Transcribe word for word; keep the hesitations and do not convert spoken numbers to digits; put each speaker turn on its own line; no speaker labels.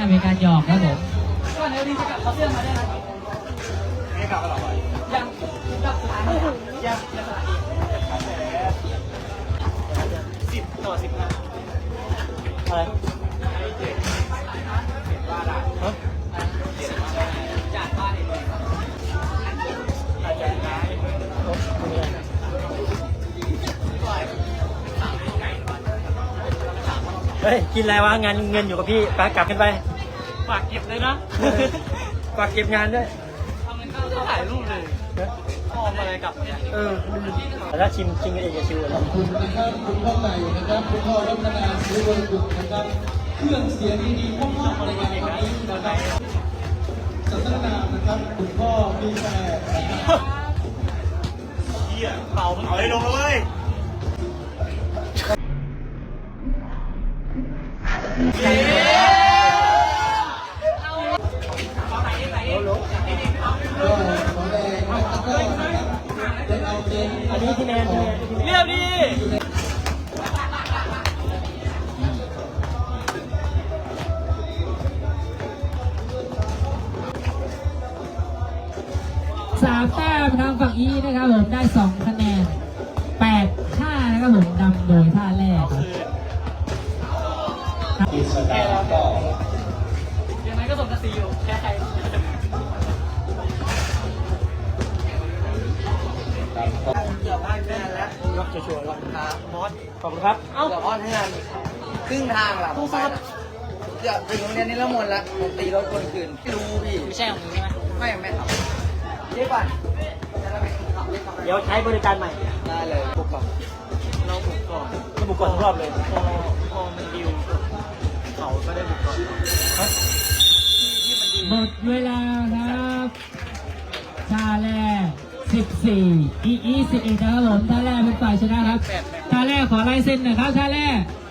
เป็นการหยอกครับผม
ก่อนเดี๋ยวดีจะกลับเขาเสื้อมาได้ไหมไม่กลับก็หรอยังกลับสถานียังยังสถานีสิบต่อสิบห้า
อะไรฮะ
จากบ้านเองอาจารย์นะ
เฮ้ยกินอะไรวะงานเงินอยู่กับพี่ไปกลับกันไป
ฝากเก็บเลยนะ
ฝากเก็บงานด้วย
ทำเงินเข้าถ่ายรูปเลยพอมาอะไรกลับเนี่ย
เออแต่ถ้าชิมชิมกันเองจะชิวเลย
ขอบคุณนะครับคุณพ่อใหม่นะครับคุณพ่อรัตนาสุวรรณกุลนะครับเครื่องเสียงดีๆพ่อพ่อในงานวันนี้นะครับศาสนามนะครับคุณพ่อมีแฟน
เฮียเป่าเอาให้ลงเลยเย้
ก็ขอแรงนะครับก็จะเอาเจน
อันนี้ที่แมนที่แมน
เรียบดี
สามแต้มทางฝั่งอีนะครับผมได้สองคะแนนแปดท่านะครับผมนำโดยท่าแรกครับ
กิจกรรมก็
ยังไงก็สมกับซีอยู่แค่ใครเกือบอ้อนแน่แล้ว
ยกชัวร์ๆแล้ว
ครับบอส
ขอบคุณครับ
เอ้าเกือบอ้อนให้งานครึ่งทางหลังไปนะเกือบถึงโรงเรียนนี้ละมนแล้วผมตีรถคนคืนไม่รู้พี่ไม่ใช่ของมึงใช่ไหมไม่ไม่ครับเรียกก่อน
เดี๋ยวใช้บริการใหม่
ได้เลยบุกก่อนเราบุกก่อน
ก็บุกก่อนทุกรอบเลย
พอพอมันดิวเขาก็ได้บุกก่อน
หมดเวลาครับท่าแรกสิบสี่อีอีสิบเอ็ดนะครับผมท่าแรกเป็นฝ่ายชนะครับท่าแรกขอลายเซ็นหน่อยครับท่าแรก